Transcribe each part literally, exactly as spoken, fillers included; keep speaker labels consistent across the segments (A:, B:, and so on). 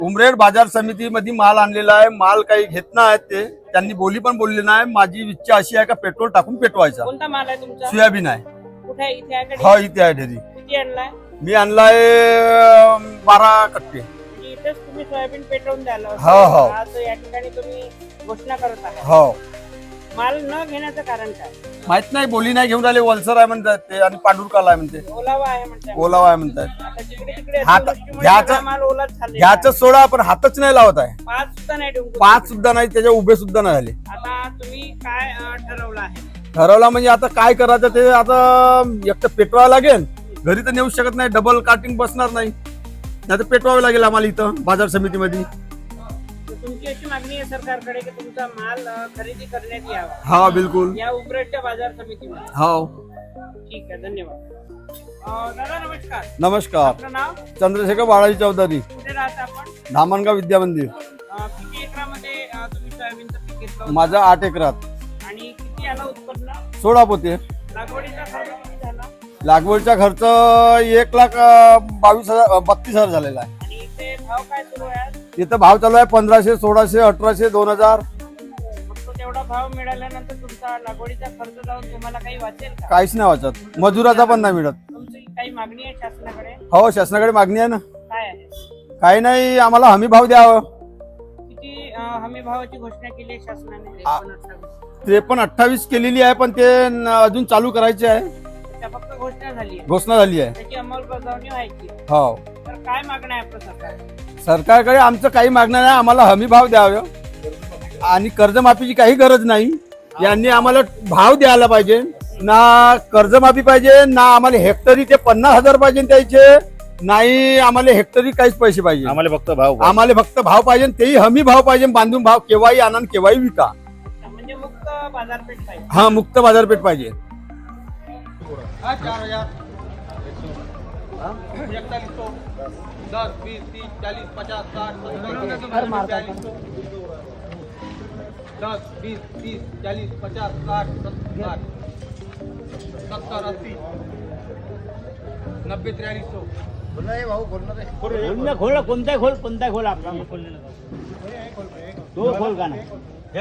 A: उमरेड बाजार समितीमध्ये माल आणलेला आहे. माल काही घेत नाही ते, त्यांनी बोली पण बोलली नाही. माझी इच्छा अशी आहे का पेट्रोल टाकून पेटवायचा.
B: कोणता माल आहे तुमचा?
A: सोयाबीन आहे.
B: कुठे आहे? इथे आहे का?
A: हा, इथे आहे ढेरी.
B: किती आणलाय?
A: मी आणलाय बारा कट्टे.
B: म्हणजे इथेच तुम्ही सोयाबीन पेटवून द्याल असं?
A: हो, हो.
B: आज या ठिकाणी तुम्ही घोषणा करत आहात.
A: हो,
B: माल न घेण्याचं कारण काय?
A: माहित नाही, बोली नाही घेऊन राहिले. वलसर आहे म्हणतात ते आणि पांडुरकाला आहे म्हणते.
B: ओलावा आहे म्हणतात.
A: ओलावा आहे म्हणतात.
B: आता जिकडे तिकडे
A: हात-
B: अतिवृष्टीमुळे
A: घ्यायचं-
B: सगळा माल ओलाच झालेला आहे.
A: घ्यायचं सोडा, पण हातच नाही लावत आहे.
B: पाच सुद्धा नाही डुंकू
A: पाच सुद्धा नाही, त्याच्या उभे सुद्धा नाही झाले.
B: आता तुम्ही काय अं, ठरवलं आहे?
A: ठरवला म्हणजे आता काय करायचं ते, आता एक तर पेटवावं लागेल. घरी तर नेऊ शकत नाही, डबल कार्टिंग बसणार नाही. नाही तर पेटवावं लागेल आम्हाला इथं बाजार समितीमध्ये.
B: तर तुमची अशी मागणी आहे सरकारकडे की तुमचा माल अं, खरेदी करण्यात यावा
A: हा, बिलकुल.
B: या उमरेडच्या बाजार समितीमध्ये.
A: हो,
B: ठीक आहे, धन्यवाद. अं, दादा नमस्कार.
A: नमस्कार.
B: आपलं नाव?
A: चंद्रशेखर बाळाजी चौधरी,
B: कुठे राहता आपण?
A: धामणगाव विद्या मंदिर.
B: अं, किती एकरामध्ये अं, तुम्ही सोयाबीनचं पीक घेतलं होतं?
A: माझा आठ एकरात
B: आणि किती आला उत्पन्न?
A: सोळा पोते.
B: लागवडीचा खर्च किती झाला?
A: लागवडचा खर्च एक लाख अं, बावीस हजार बत्तीस हजार झालेला आहे.
B: आणि इथे भाव काय सुरू आहे आज?
A: तिथं भाव चालू आहे पंधराशे, सोळाशे, अठराशे, दोन हजार.
B: फक्त तेवढा भाव मिळाल्यानंतर तुमचा लागवडीचा खर्च जाऊन तुम्हाला काही वाचेल का?
A: काहीच नाही वाचत. मजुराचा पण नाही मिळत.
B: तुमची काही मागणी आहे शासनाकडे?
A: हो, शासनाकडे मागणी आहे ना.
B: काय आहे?
A: काही नाही, आम्हाला हमी भाव द्यावं.
B: किती अं, हमी भावाची घोषणा केली आहे शासनाने?
A: आ-
B: त्रेपन्न अठ्ठावीस.
A: त्रेपन्न अठ्ठावीस केलेली आहे, पण ते न- अजून चालू करायचे आहे.
B: त्या फक्त घोषणा झाली आहे,
A: घोषणा झाली आहे.
B: त्याची अंमलबजावणी व्हायची आहे.
A: हो,
B: तर काय मागणं आहे आपलं सरकार?
A: सरकारकडे आमचं काही मागणं नाही. आम्हाला हमी भाव द्यावं आणि कर्जमाफीची काही गरज नाही. यांनी आम्हाला भाव द्यायला पाहिजे. ना कर्जमाफी पाहिजे, ना आम्हाला हेक्टरी ते पन्नास हजार पाहिजे द्यायचे, नाही आम्हाला हेक्टरी काहीच पैसे पाहिजे.
C: आम्हाला फक्त भाव
A: आम्हाला फक्त भाव पाहिजे, तेही हमी भाव पाहिजे. बांधून भाव केव्हाही आणा आणि केव्हाही विका.
B: म्हणजे मुक्त बाजारपेठ पाहिजे.
A: हा, मुक्त बाजारपेठ पाहिजे.
D: दस बीस तीस चालीस पचास साठ सत्तर दस बीस तीस चालीस पचास साठ सत्तर सत्तर अस्सी नब्बे त्र्यालीस सौ
C: खोल खोल कोणताही खोल कोणताही खोल आपला तो खोल का नाही.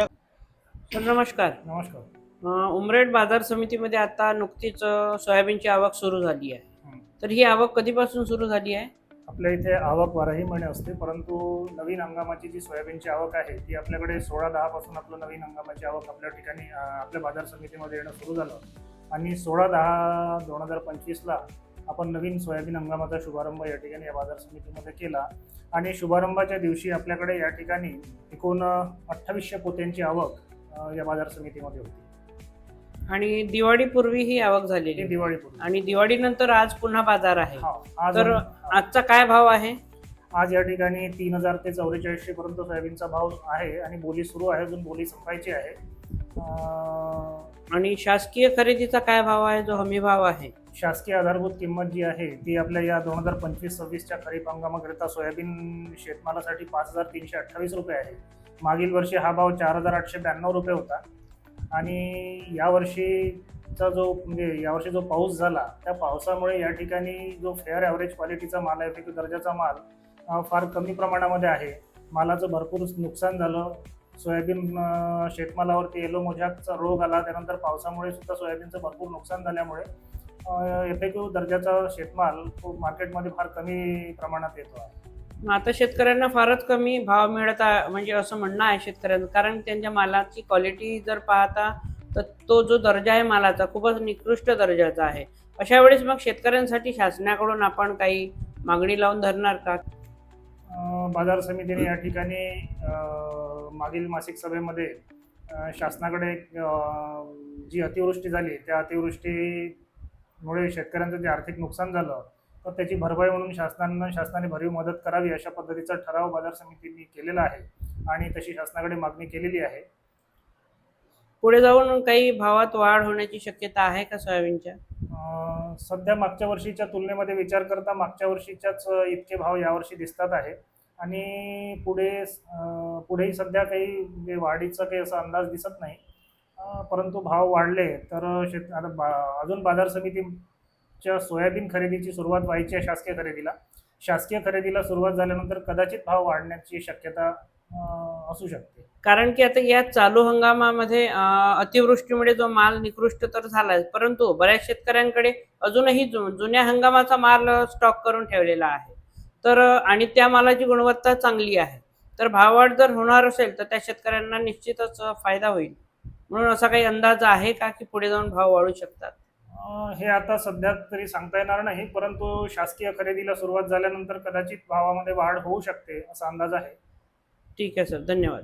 B: सर नमस्कार.
D: नमस्कार.
B: अं, उमरेड बाजार समितीमध्ये आता नुकतीच अं, सोयाबीनची आवक सुरू झाली आहे. तर ही आवक कधीपासून सुरू झाली आहे?
E: आपल्या इथे आवक बाराही महिने असते, परंतु नवीन हंगामाची जी सोयाबीनची आवक आहे ती आपल्याकडे सोळा दहा पासून आपलं नवीन हंगामाची आवक आपल्या ठिकाणी अं, आपल्या बाजार समितीमध्ये येणं सुरू झालं. आणि सोळा दहा दोन हजार पंचवीसला आपण नवीन सोयाबीन हंगामाचा शुभारंभ या ठिकाणी या बाजार समितीमध्ये केला. आणि शुभारंभाच्या दिवशी आपल्याकडे या ठिकाणी एकूण अठ्ठावीसशे पोत्यांची आवक अं, या बाजार समितीमध्ये होती.
B: आणि दिवाळीपूर्वी ही आवक झालेली
E: ही
B: आहे.
E: दिवाळीपूर्वी.
B: आणि दिवाळीनंतर आज पुन्हा बाजार आहे.
E: हा, आज
B: तर आजचा काय भाव आहे?
E: आज या ठिकाणी तीन हजार ते चौवेचाळीसशे पर्यंत सोयाबीनचा भाव आहे आणि बोली सुरू आहे, अजून बोली संपायची आहे. अं,
B: आणि शासकीय खरेदीचा काय भाव आहे, जो हमी भाव आहे?
E: शासकीय आधारभूत किंमत जी आहे ती आपल्या या दोन हजार पंचवीस सव्वीसच्या खरीप हंगामाकरिता सोयाबीन शेतमालासाठी पाच हजार तीनशे अठ्ठावीस रुपये आहे. मागील वर्षी हा भाव चार हजार आठशे ब्याण्णव रुपये होता. आणि यावर्षीचा जो म्हणजे यावर्षी जो पाऊस झाला त्या पावसामुळे या ठिकाणी जो फेअर ॲव्हरेज क्वालिटीचा माल आहे, पैकी दर्जाचा माल अं, फार कमी प्रमाणामध्ये आहे. मालाचं भरपूर नुकसान झालं. सोयाबीन अं, शेतमालावरती येलो मोझॅकचा रोग आला. त्यानंतर पावसामुळे सुद्धा सोयाबीनचं भरपूर नुकसान झाल्यामुळे एफ ए क्यू दर्जाचा शेतमाल तो मार्केटमध्ये फार कमी प्रमाणात येतो आहे.
B: मग आता शेतकऱ्यांना फारच कमी भाव मिळत आहे, म्हणजे असं म्हणणं आहे शेतकऱ्यांचं. कारण त्यांच्या मालाची क्वालिटी जर पाहता तर तो जो दर्जा आहे मालाचा खूपच निकृष्ट दर्जाचा आहे. अशा वेळेस मग शेतकऱ्यांसाठी शासनाकडून आपण काही मागणी लावून धरणार का?
E: अं, बाजार समितीने या ठिकाणी अं, मागील मासिक सभेमध्ये अं, शासनाकडे अं, जी अतिवृष्टी झाली त्या अतिवृष्टीमुळे शेतकऱ्यांचं जे आर्थिक नुकसान झालं तर त्याची भरपाई म्हणून शासनानं शासनाने भरीव मदत करावी अशा पद्धतीचा ठराव बाजार समितीने केलेला आहे आणि तशी शासनाकडे मागणी केलेली आहे.
B: पुढे जाऊन काही भावात वाढ होण्याची शक्यता आहे का सोयाबीनच्या?
E: अं, सध्या मागच्या वर्षीच्या तुलनेमध्ये विचार करता मागच्या वर्षीच्याच इतके भाव यावर्षी दिसतात आहे. आणि पुढे अं, पुढेही सध्या काही म्हणजे वाढीचा काही असा अंदाज दिसत नाही. अं, परंतु भाव वाढले तर शेत आता बा अजून बाजार समितीच्या सोयाबीन खरेदीची सुरुवात व्हायची आहे शासकीय खरेदीला. शासकीय खरेदीला सुरुवात झाल्यानंतर कदाचित भाव वाढण्याची शक्यता अं, असू शकते.
B: कारण की आता या चालू हंगामामध्ये अं, अतिवृष्टीमुळे जो माल निकृष्ट तर झालाय, परंतु बऱ्याच शेतकऱ्यांकडे अजूनही जु- जुन्या हंगामाचा माल स्टॉक करून ठेवलेला आहे. तर अं, आणि त्या मालाची गुणवत्ता चांगली आहे. तर भाववाढ जर होणार असेल तर त्या शेतकऱ्यांना निश्चितच अं, फायदा होईल. म्हणून असा काही अंदाज आहे का की पुढे जाऊन भाव वाढू शकतात?
E: अं, हे आता सध्या तरी सांगता येणार नाही, परंतु शासकीय खरेदीला सुरुवात झाल्यानंतर कदाचित भावामध्ये वाढ होऊ शकते असा अंदाज आहे.
B: ठीक आहे सर, धन्यवाद.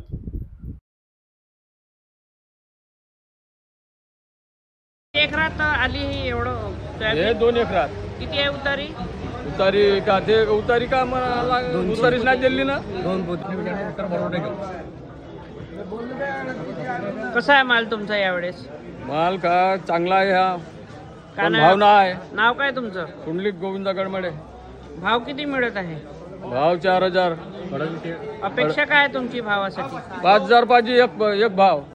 B: एकरात आली ही एवढं
F: हे
B: सोयाबीन?
F: दोन एकरात
B: किती आहे उतारी?
F: उतारी का ते उतारी का मला उतारीच नाही दिली ना.
B: कसा आहे माल तुमचा यावेळेस?
F: माल का चांगला आहे हा,
B: का
F: पण
B: नाही?
F: भाव ना आहे.
B: नाव काय तुमचं?
F: कुंडलिक गोविंदा गडमडे.
B: भाव किती मिळत आहे?
F: भाव चार हजार.
B: अपेक्षा काय आहे तुमची भावासाठी?
F: पाच हजार पाहिजे एक एक भाव.